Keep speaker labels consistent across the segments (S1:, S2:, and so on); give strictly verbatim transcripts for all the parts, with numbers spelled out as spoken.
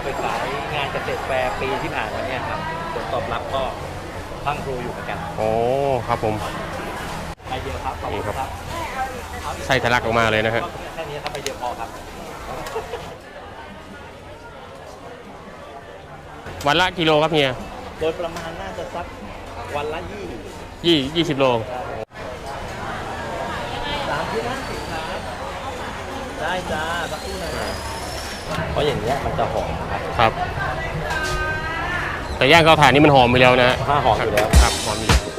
S1: ไปขายงานเกษตรแฟร์ปีที่ผ่านมาเนี่ยครับผลตอบรับก็พังครูอยู่เหมือนกัน
S2: โอ้ครับผม
S1: ไปเยอะครับขอบคุณครับ
S2: ไส้ทะลักออกมาเลยนะฮะ
S1: แค่นี้ครับไปเยอะพอครับ
S2: วันละกิโลครับเฮีย
S1: โดยประมาณน่าจะสักวันละยี่
S2: ยี่ยี่สิบโล
S1: สามที่นั่นสิครับได้จ้าสักครู่หน่อยเพราะอย่างเงี้ยมันจะหอมครับ
S2: ครับแต่ย่างเตาถ่านนี่มันหอมไปแล้วนะ
S1: ถ้าหอมอยู่แล้ว
S2: ครับหอมอยู่แล้ว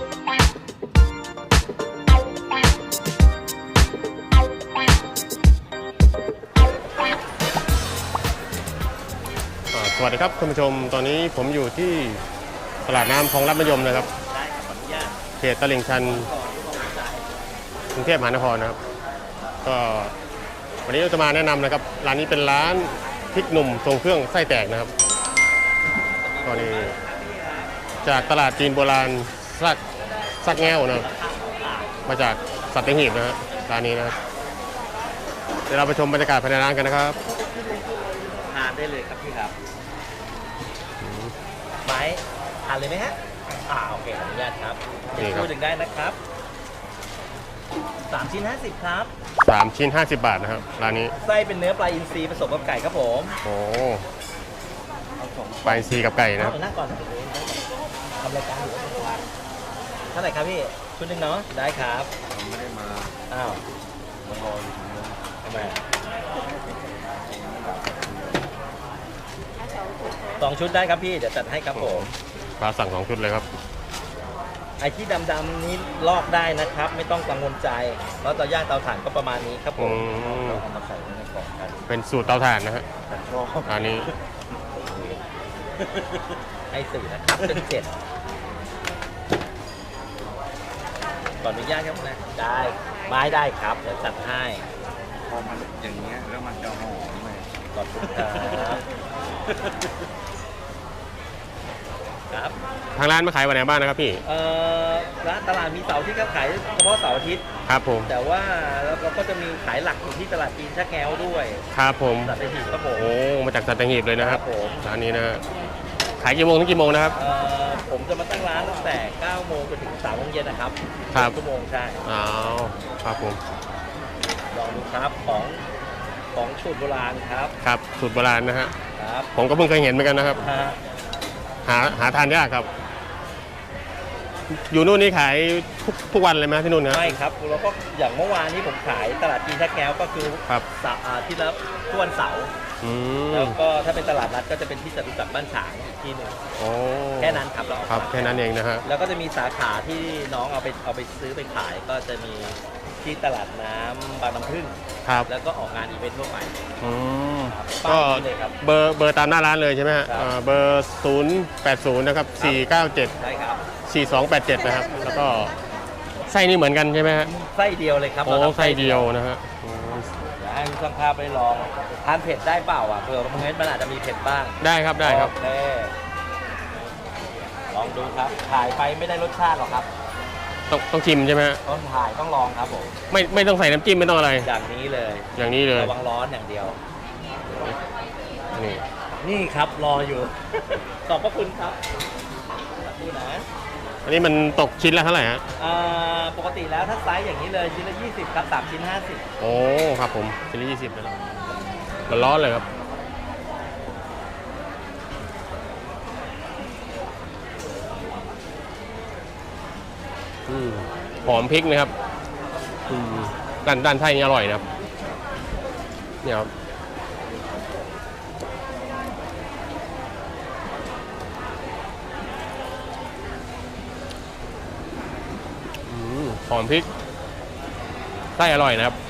S2: สวัสดีครับคุณผู้ชมตอนนี้ผมอยู่ที่ตลาดน้ำคลองลัดมะยมนะครับเขตตลิ่งชันกรุงเทพมหานครนะครับก็วันนี้เราจะมาแนะนำนะครับร้านนี้เป็นร้านพริกหนุ่มทรงเครื่องไส้แตกนะครับก็นี่จากตลาดจีนโบราณซักซักแง่วนะครับมาจากสัตหีบนะฮะร้านนี้นะครับเดี๋ยวเราไปชมบรรยากาศภายในร้านกันนะครับ
S1: ทานได้เลยครับพี่ครับไม้ทานเลยไหมฮะอ่าโอเคอนุญาตครับพูดถึงได้นะครับสามชิ้นห้าสิบครับ
S2: สามชิ้นห้าสิบบาทนะครับร้านนี้
S1: ไส้เป็นเนื้อปลาอินทรีผสมกับไก่ครับผม
S2: โอ้ปลาอินทรีกับไก่นะครับ
S1: นั่งก่อนทำรายการอยู่เท่าไหร่ครับพี่ชุดหนึ่งเนาะได้ครับ
S3: ผมไม่ได้มา
S1: อ้าว
S3: มารออยู่ตรงนี้
S1: ทำไมสองชุดได้ครับพี่เดี๋ยวจัดให้ครับผม
S2: ปลาสั่งสองชุดเลยครับ
S1: ไอ้ที่ดำๆนี้ลอกได้นะครับไม่ต้องกังวลใจเพราะเตาย่างเตาถ่านก็ประมาณนี้ครับผมเอามาใส่ในกล่องกัน
S2: เป็นสูตรเตาถ่านนะฮะอันนี้
S1: ไอ้สื่อนะครับเป็นเจ็ดก่อนอนุญาตครับนะได้ไม้ได้ครับเดี๋ยวจัดให้
S3: พอมันอย่างเงี้ยแล้วมันจะหอมเลย
S1: ขอบคุณครับครับ
S2: ทางร้านมาขายวันไหนบ้างนะครับพี่
S1: เอ่อร้านตลาดมีเสาร์ที่เขาขายเฉพาะเสาร์อาทิตย์
S2: ครับผม
S1: แต่ว่าเราก็จะมีขายหลักอยู่ที่ตลาดจีนชักแก้วด้วย
S2: ครับผม
S1: สัตหีบครับผม
S2: โอ้มาจากสัตหีบเลยนะครับ
S1: ผม
S2: ร้านนี้นะขายกี่โมงถึงกี่โมงนะครับ
S1: เอ่อผมจะมาตั้งร้านตั้งแต่เก้าโมงจนถึงสามโมงเย็นนะครับ
S2: ครับ
S1: ชั่วโมงใช่
S2: อ๋อครับผม
S1: ลองดูครับของของสูตรโบราณครับ
S2: ครับสูตรโบราณนะฮะ
S1: ครับ
S2: ผมก็เพิ่งเคยเห็นเหมือนกันนะครับหาหาทานยากครับอยู่นู่นนี่ขายทุกทุกวันเลยไหมที่นู่นนะ
S1: ไม่ครับแล้วก็อย่างเมื่อวานนี้ผมขายตลาดจีนชักแก้วก็คือ
S2: ครับ
S1: ที่ละทุกวันเสาร์แล้วก็ถ้าเป็นตลาดนัดก็จะเป็นที่จตุจักรบ้านฉางอีกที่หนึ่งแค่นั้นครับเรา
S2: ครับแค่นั้นเองนะฮะ
S1: แล้วก็จะมีสาขาที่น้องเอาไปเอาไปซื้อไปขายก็จะมีที่ตลาดน้ำบางน้ำพึ่ง
S2: ครับ
S1: แล้วก็ออกงานอีเวนต์ทั่วไป
S2: ก็เบอร์เบอร์ตามหน้าร้านเลยใช่ไหมฮะเบอร์ศูนย์แปดศูนย์นะครับสี่เก้าเจ็ด
S1: ใช่ครับ
S2: สี่สองแปดเจ็ดนะครับแล้วก็ไส้นี่เหมือนกันใช่ไหมฮะ
S1: ไส้เดียวเลยครับ
S2: โอ้ไส้เดียวนะฮะ
S1: อยากให้ช่างภาพไปลองทานเผ็ดได้เปล่าอ่ะเผื่อบางเม็ดมันอาจจะมีเผ็ดบ้าง
S2: ได้ครับได้ครับ
S1: ลองดูครับถ่ายไปไม่ได้รสชาติหรอกครับ
S2: ต้องต้องชิมใช่ไหม
S1: ต้องถ่ายต้องลองครับผม
S2: ไม่ไม่ต้องใส่น้ำจิ้มไม่ต้องอะไร
S1: อย่างนี้เลย
S2: อย่างนี้เลย
S1: ระวังร้อนอย่างเดียว
S2: นี่
S1: นี่ครับรออยู่ขอบพระคุณครับนี่นะ
S2: อันนี้มันตกชิ้นละเท่าไหร่ฮะ
S1: ปกติแล้วถ้าไซส์อย่างนี้เลยชิ้นละยี่สิบครับสามชิ้นห้าสิบ
S2: โอ้ครับผมชิ้นละยี่สิบนะร้อนเลยครับหอมพริกนะครับด้านด้านไส้นี่อร่อยนะครับเนี่ยครับหอมพริกไส้อร่อยนะครับ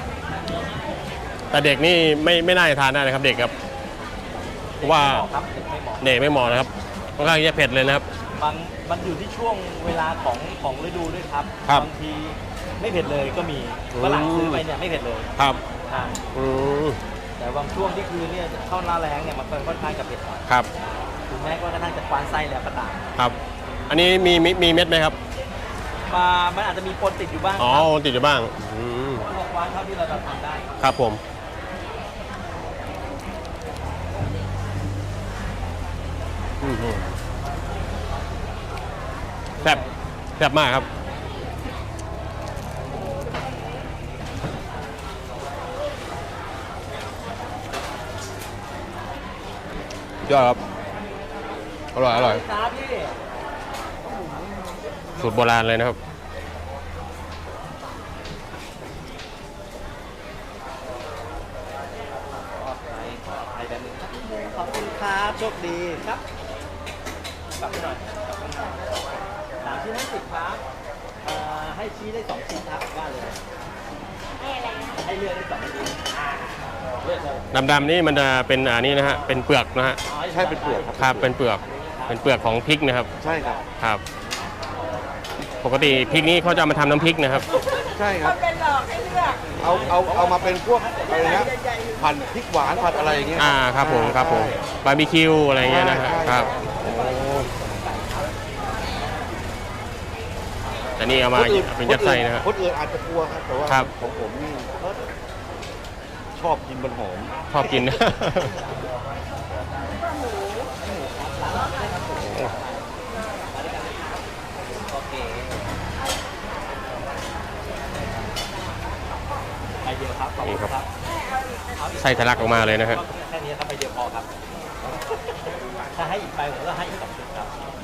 S2: แต่เด็กนี่ไม่ไม่น่าจะทานได้นะครับเด็กครับเพราะว่าเด็กไม่เหมาะนะครับค่อนข้างจะเผ็ดเลยนะครับ
S1: บางมันอยู่ที่ช่วงเวลาของของฤดูด้วยครับบางทีไม่เผ็ดเลยก็มีฝรั่งซื้อไปเนี่ยไม่เผ็ดเลย
S2: ครับ
S1: แต่บางช่วงที่คือเนี่ยเข้าหน้าแรงเนี่ยมันค่อนข้างจะเผ็ด
S2: ครับ
S1: ถึงแม้ว่ากระทั่งจะควานไส้แล้วก็ตาม
S2: ครับอันนี้มีมีเม็ดไหมครับ
S1: มามันอาจจะมีปนติดอยู่บ้าง
S2: อ๋อติดอยู่บ้าง
S1: ควานเท่าที่เราจะทำได้
S2: ครับผมอื้อหือแซ่บแซ่บมากครับยอดครับอร่อยอร่อย
S1: ครับพี่
S2: สูตรโบราณเลยนะครับ
S1: ขอบคุณครับโชคดีครับกลับไปหน่อยสามชิ้นห้าสิบครับเอ่อให้ชี้ได้สองชิ้นครับว่าเลยให้อะไรให้เลือกได้สองชิ้นอ่าเลือกเลย
S2: ดำๆนี่มันจะเป็นอันนี้นะฮะ เป็นเปลือกนะฮะ
S1: อ๋อ
S3: ใช่เป็นเปลือกครับ
S2: ครับ เป็นเปลือก เป็นเปลือกของพริกนะครับ
S3: ใช่ครับ
S2: ครับ ปกติพริกนี้เขาจะเอามาทำน้ำพริกนะครับ
S3: ใช่ครับ
S4: เป็นหลอกให้เลือก
S3: เอาเอาเอามาเป็นพวกอะไรนะผัดพริกหวานผัดอะไรอย่างเงี้ย
S2: อ่า ครับผม ครับผม บาร์บีคิวอะไรเงี้ยนะฮะ
S3: ใช่
S2: ครับแต่นี่เอามา
S3: คนอื่น
S2: เป็นยัดไส้นะฮะ
S3: คนอื่นอาจจะกลัวครับแต่ว่า
S2: ครับ
S3: ของผมนี่ชอบกินมันหอม
S2: ชอบกิน
S1: โอเคไปเดียวครับขอบคุณครับ
S2: ไส้ทะลักออกมาเลยนะฮะ
S1: แค่นี้ครับไปเดียวพอครับ ถ้าให้อีกไปผมก็ให้อีกสองชุดครับ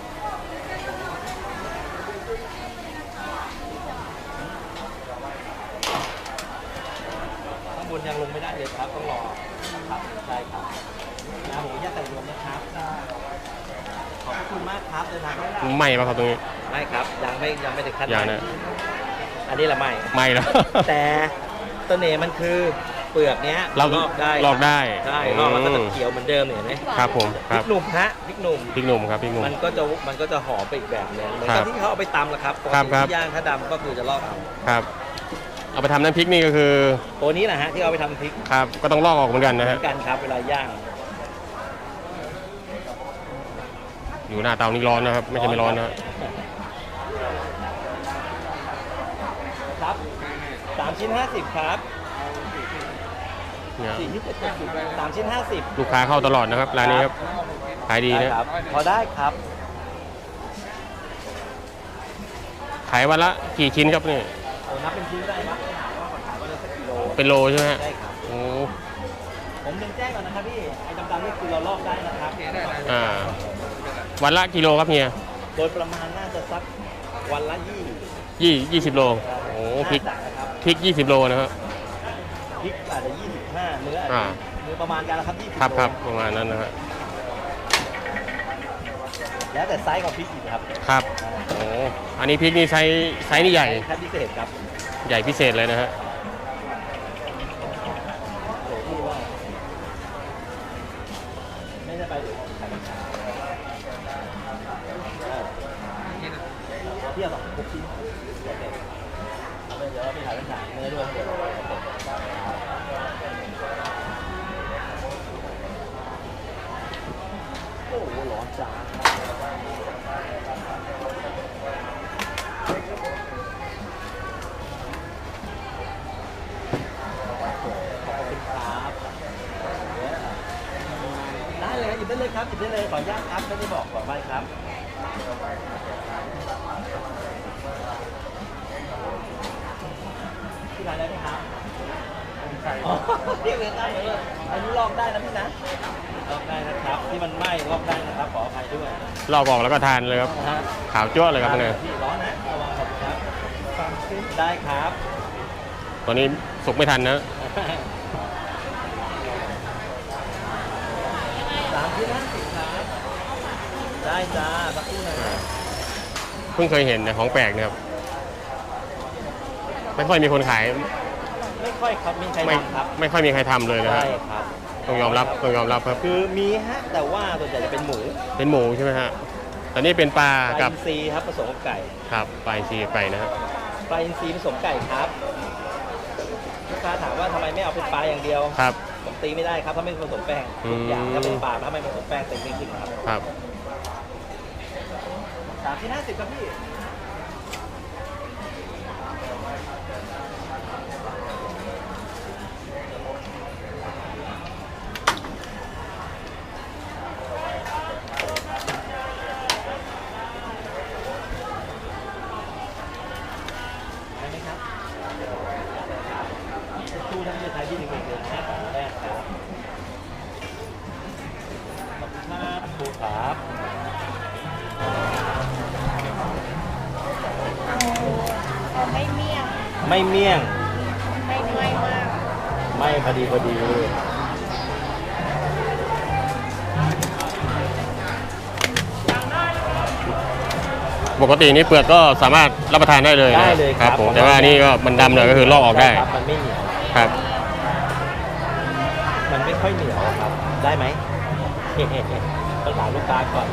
S1: ข้างบนยังลงไม่ได้เลยครับต้องรอครับใช่ครับนะผมอยากใส่รวมนะครับขอบคุณมากครับเดินทางได้
S2: ไหม้ปะครับตรงนี้
S1: ไม่ครับยังไม่ยังไม่ถึงขั้น
S2: ยังนะ
S1: อันนี้แหละไม่
S2: ไหม้แล้ว
S1: แต่เสน่ห์มันคือเปลือกเนี้ย
S2: เรา
S1: ลอกได้
S2: ลอกได้
S1: ใช่
S2: อืม
S1: ลอกแล้วก็จะเขียวเหมือนเดิมเนี่ยเห็นไหม
S2: ครับผม
S1: พ
S2: ค
S1: ริ
S2: รับ
S1: กหนุ่มฮะพริกหนุ่ม
S2: พริกหนุ่มครับพริกหนุ่ม
S1: มันก็จะมันก็จะหอมไปอีกแบบหนึงเหมือน
S2: ครั
S1: กับบ ที่เขาเอาไปตำแหละครับปก
S2: ครับ
S1: ติ
S2: ครับ
S1: ที่ย่างถ้าดำก็คือจะลอกเอา
S2: ครับ เอาไปทำน้ำพริกนี่ก็คือ
S1: ตัวนี้แหละฮะที่เอาไปทำพริก
S2: ครับ ก็ต้องลอกออกเหมือนกันนะ
S1: เหมื
S2: ฮะ
S1: อนกันครับเวลาย่าง
S2: อยู่หน้าเตานี่ร้อนนะครับ ไม่ใช่ไม่ร้อนนะฮะ
S1: ครับสามชิ้นห้าสิบครับ
S2: เนี่ย
S1: สี่ชิ้นเจ็ดสิบสามชิ้นห้าสิบ
S2: ลูกค้าเข้าตลอดนะครับร้านนี้ครับ ขายดี
S1: ได้
S2: นะ
S1: ครับพอได้ครับ
S2: ขายวันละกี่ชิ้นครับนี่
S1: โอ้นับเป็นชิ้นได้ครับถามว่าขายวันละสักกิโล
S2: เป็นโลใช่ไหมฮะ
S1: ได้ครับ
S2: โอ้
S1: ผมเรียนแจ้งก่อนนะครับพี่ไอ้ดำๆนี่คือเราลอกได้นะครับ
S2: อ่า วันละกิโลครับเฮีย
S1: โดยประมาณน่าจะสักวันละยี่
S2: ยี่ยี่สิบโล โอ้พริก
S1: น่าจะนะครับ
S2: พริกยี่สิบโลนะครับ
S1: พริกอาจจะยี่สิบห้าเนื้ออาจ
S2: อ่า
S1: จะเนื้อประมาณกันละครับยี่สิบ
S2: ครับครับ
S1: โล
S2: ประมาณนั้นนะฮะ
S1: แล้วแต่ไซส์ของพริกอีกครับ
S2: ครับ โอ้อันนี้พริกนี่ไซส์ไซส์นี่ใหญ่
S1: แค่พิเศษครับ
S2: ใหญ่พิเศษเลยนะฮะ
S1: โอ้โหพี่ว่าไม่ได้ไปหรือใครเป็นใครเออพี่เอาสองหกชิ้นโอเคเอาไปเดี๋ยวเราไปถ่ายเป็นฉากเนื้อด้วยเดี๋ยวโอ้โหร้อนจ้าได้เลยหยิบได้เลยครับหยิบได้เลยขออนุญาตครับไม่ได้บอกขอไปครับที่ร้านได้ไหมครับอ๋อเรียกเลยได้เลยอันนี้ลอกได้นะพี่นะลอกได้นะครับที่มันไหม้ลอกได้นะครับขออภัยด้วย
S2: ลอกออกแล้วก็ทานเลยครับ
S1: นะฮะ
S2: ขาวจ้วะเลยครับเนี่ย
S1: พี่ร้อนนะระวังขอบคุณครับสามชิ้นได้ครับ
S2: ตอนนี้สุกไม่ทันนะ
S1: สามชิ้นห้าสิบครับได้จ้าสักครู่นะครับ
S2: เพิ่งเคยเห็นนะของแปลกนะครับ ไม่ค่อยมีคนขาย
S1: ไม่ค่อยครับมีใคร
S2: ไม่
S1: ทำครับ
S2: ไม่ค่อยมีใครทำเลยนะ
S1: ใช่
S2: ฮะ
S1: ครับ
S2: ต้องยอมรับต้องยอมรับครับ
S1: คือมีฮะแต่ว่าส่วนใหญ่จะเป็นหมู
S2: เป็นหมูใช่ไหมฮะตอนนี้เป็นปลา
S1: ปลา
S2: กับ
S1: อินทรีย์ครับผสมกับไก่
S2: ครับปลาอินทรีไก่นะฮะ
S1: ปลาอินทรีย์ผสมไก่ครับลูกค้าถามว่าทำไมไม่เอาเป็นปลาอย่างเดียว
S2: ครับ
S1: ผมตีไม่ได้ครับถ้าไม่ผสมแป้ง
S2: อืม
S1: ทุกอย่างถ้าเป็นปลาถ้าไม่ผสมแป้งตีไม่ขึ้นครับ
S2: ครับ
S1: สามชิ้นห้าสิบครับพี่ไม่เมี่ยง
S4: ไม่ไม่มาก
S1: ไม่พอดีพอดี
S2: ปกตินี่เปลือกก็สามารถรับประทานได้เลยนะ
S1: ได้เลย
S2: ค
S1: ค
S2: รั
S1: รั
S2: บบ ผมแต่ว่านี่ก็มันดำหน่อยก็คือลอกออกได้
S1: ใช่ครับมันไม่เหนียว
S2: ครับ
S1: มันไม่ค่อยเหนียวครับ ได้ไหม ต้องถามลูกค้าก่อน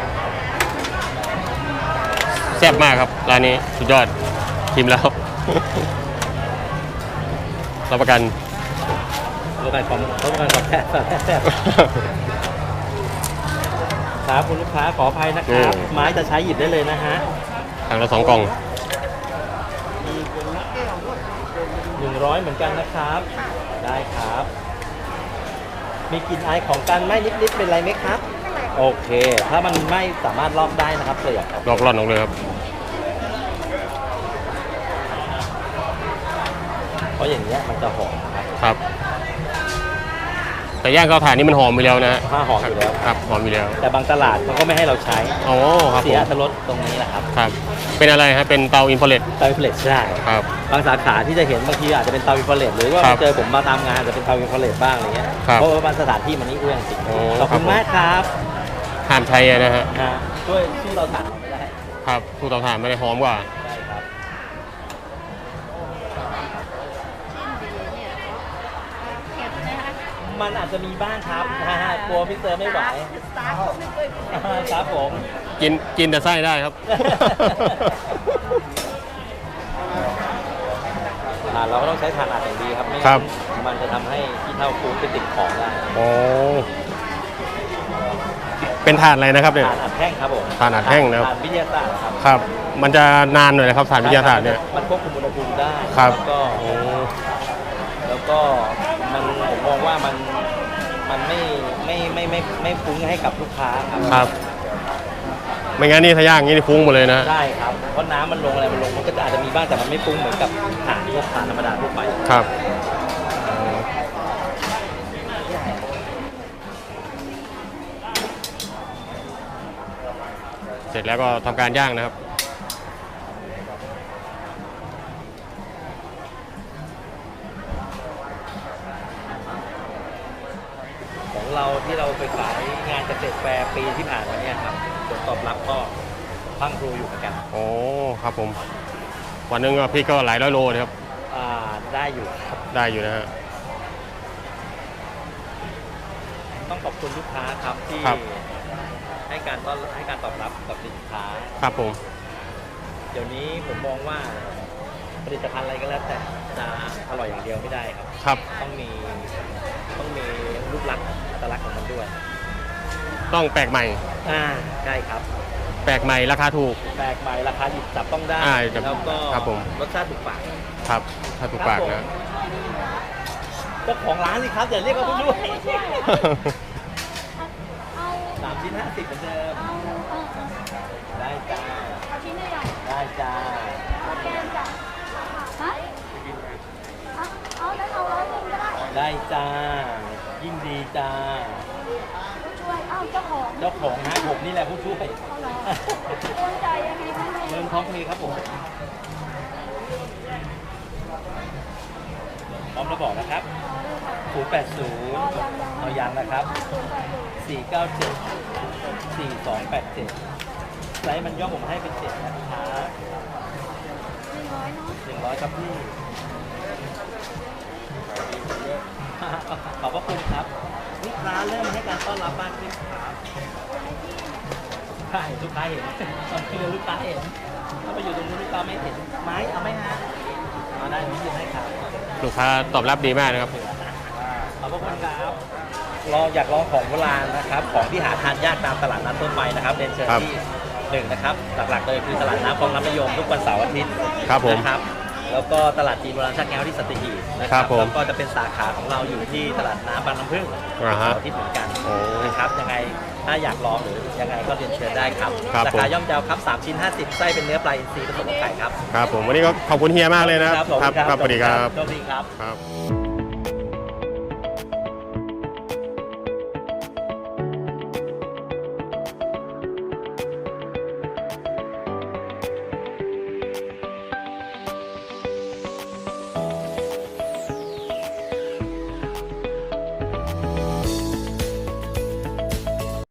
S2: แซ่บมากครับร้านนี้สุดยอดชิมแล้ว รับประกัน
S1: ลูกค้าของลูกค้าของแท้แซ่บครับคุณลูกค้าขออภัยนะครับ ไม้จะใช้หยิบได้เลยนะฮะ
S2: ถังละสองกล่อง
S1: หนึ่งร้อยเหมือนกันนะครับ ได้ครับ มีกลิ่นอายของการไหม้นิดๆเป็นไรไหมครับ โอเค ถ้ามันไม่สามารถลอกได้นะครับเปลือกครับ
S2: ลอกร่อนออกเลยครับ
S1: เพราะอย่างเงี้ยมันจะหอมครับ
S2: ครับ แต่ย่างข้าวถ่านนี่มันหอมอยู่แล้วนะ
S1: ผ้าหอมอยู่แล้ว
S2: ครับหอมอยู่แล้ว
S1: แต่บางตลาดเขาก็ไม่ให้เราใช้
S2: อ๋อครับผ
S1: เสีย
S2: ม
S1: อรรถรสตรงนี้แหละครับ
S2: ครับ เป็นอะไรฮะเป็นเตาอินฟราเรด
S1: เตาอินฟราเรดใช่
S2: ครับ
S1: บางสาขาที่จะเห็นบางทีอาจจะเป็นเตาอินฟราเรดหรือว่า
S2: ครับ
S1: เจอผมมาตามงานอาจจะเป็นเตาอินฟราเรดบ้างอะไรเงี้ย
S2: ครับ
S1: เพราะว่าบางสถานที่มันนี่เอื้องจริง
S2: โอ้
S1: ขอบคุณ
S2: ครับผม
S1: มากครับ
S2: ห้ามใช้อะนะฮะ
S1: ฮะช่วยสู้เราถ่านเราไม่ได้
S2: ครับสู้เตาถ่านไม่ได้หอมกว่า
S1: ใช่ครับ
S4: เผ็ดไหมคะ
S1: มันอาจจะมีบ้างครับนะฮะกลัวพี่เตอร์ไม่ไหว
S4: สตาร์ทไม่เคยเผ็ด
S1: ครับผม
S2: กินกินแต่ไส้ได้ครับ
S1: อ่าเราก็ต้องใช้ถ่านอัดอย่างดีครับไม่
S2: ครั
S1: งั้
S2: บ
S1: นมันจะทำให้ขี้เถ้าฟูไปติดของได้
S2: โอ้เป็นถ่านอะไรนะครับเนี่ย
S1: ถ่านอัดแห้งครับผม
S2: ถ่านอัดแห้งนะครับ
S1: ถ่านวิทยาศาสตร์ครับ
S2: ครับ มันจะนานหน่อยนะครับถ่านวิทยาศาสตร์เนี่ย
S1: มันควบคุมอุณหภูมิได้
S2: ครับ
S1: แล้วก็
S2: โอ้
S1: แล้วก็มันผมมองว่ามันมันไม่ไม่ไม่ไม่ไม่ไม่ฟุ้งให้กับลูกค้าครับ
S2: ครับ ไม่งั้นนี่ถ้าย่างงี้นี่ฟุ้งหมดเลยนะ
S1: ใช่ครับเพราะน้ำมันลงอะไรมันลงมันก็จะอาจจะมีบ้างแต่มันไม่ฟุ้งเหมือนกับถ่านพวกถ่านธรรมดาทั่วไป
S2: ครับเสร็จแล้วก็ทำการย่างนะครับ
S1: ของเราที่เราไปขายงานเกษตรแฟร์ปีที่ผ่านมาเนี่ยครับผลตอบรับก็พรังพรูอยู่เหมือนกัน
S2: โอ้ครับผม วันหนึงก็พี่ก็หลายร้อยโลนะครับ
S1: อ่าได้อยู่ครับ
S2: ได้อยู่นะฮะ
S1: ต้องขอบคุณลูกค้าครับที่
S2: ครับ
S1: ให้การต้อนให้การตอบรับกับสินค้า
S2: ครับผม
S1: เดี๋ยวนี้ผมมองว่าผลิตภัณฑ์อะไรก็แล้วแต่จะอร่อยอย่างเดียวไม่ได้ครับ
S2: ครับ
S1: ต้องมีต้องมีรูปลักษณ์อัตลักษณ์ของมันด้วย
S2: ต้องแปลกใหม่
S1: อ่าใช่ครับ
S2: แปลกใหม่ราคาถูก
S1: แปลกใหม่ราคาหยิบจับต้องได้
S2: อ่าจะ
S1: แล้วก็
S2: ครับผม
S1: รสชาติถูกปาก
S2: ครับ ถ้าถูกปาก
S1: ครับ
S2: นะ
S1: ผม เจ้าของร้านสิครับอย่าเรียกว่าผู้ช่วย
S4: เอา
S1: สามชิ้นห้าสิบเหมือนเดิม
S4: เอาเอาเอา
S1: ได้จ้า
S4: เอาชิ้นใหญ่
S1: ได้จ้า
S4: ๆเอาแกนจ้ะฮะเอาเอาแล้วเอาร้อยหนึ่งก็ได้
S1: ได้จ้า ยิ่งดีจ้า
S4: ผู้ช่วยเอ้าเจ้าของ
S1: เจ้าของฮะผมนี่แหละผู้ช่วย
S4: เอาเหรอโอนจ่ายยังไงคะ
S1: เงินท้องเพครับผมพร้อมระบอกนะครับศูนย์แปดศูนย์
S4: เอายังยัง
S1: เอายังนะครับ
S4: ศูนย์แปดศูนย์
S1: สี่เก้าเจ็ด สี่สองแปดเจ็ดไซส์มันย่อผมให้เป็นเจ็ดนะครับ
S4: หนึ่งร้อยเนาะ
S1: หนึ่งร้อยครับพี่ ขอบพระคุณครับลูกค้าเริ่มให้การต้อนรับมากขึ้นครับใช่ลูกค้าเห็นตอนคือลูกค้าเห็นถ้าไปอยู่ตรงนู้นลูกค้าไม่เห็นไม้เอาไหมฮะเอาได้พี่ยินให้ครับ
S2: ลูกค้าตอบรับดีมากนะครับ
S1: ขอบพระคุณครับลองอยากลองของโบราณนะครับ ของที่หาทานยากตามตลาดนัดทั่วไปนะครับเรียนเชิญ
S2: ครับ
S1: ที่หนึ่งนะครับหลักๆเลยคือตลาดน้ำคลองน้ำมะยมทุกวันเสาร์อาทิตย์
S2: ครับผม
S1: นะครับ แล้วก็ตลาดจีนโบราณชักแก้วที่สัตหีบนะค
S2: ครั
S1: รับบ
S2: ผม
S1: แล้วก็จะเป็นสาขาของเราอยู่ที่ตลาดน้ำบางน้ำพึ่ง
S2: อ่าฮะ
S1: เสาร์อาทิตย์เหมือนกัน
S2: โอ้
S1: นะครับยังไงถ้าอยากลองหรือยังไงก็เรียนเชิญได้ครับ
S2: ครับ
S1: ราคา
S2: ผม
S1: ย่อมเยาวครับสามชิ้นห้าสิบไส้เป็นเนื้อปลาอินทรีผสมกับไก่ครับ
S2: ครับผมวันนี้ก็ขอบคุณเฮียมากเลยนะครับ
S1: ผม
S2: ครับสวัสดีครับ
S1: โชคดีครับ
S2: ครับ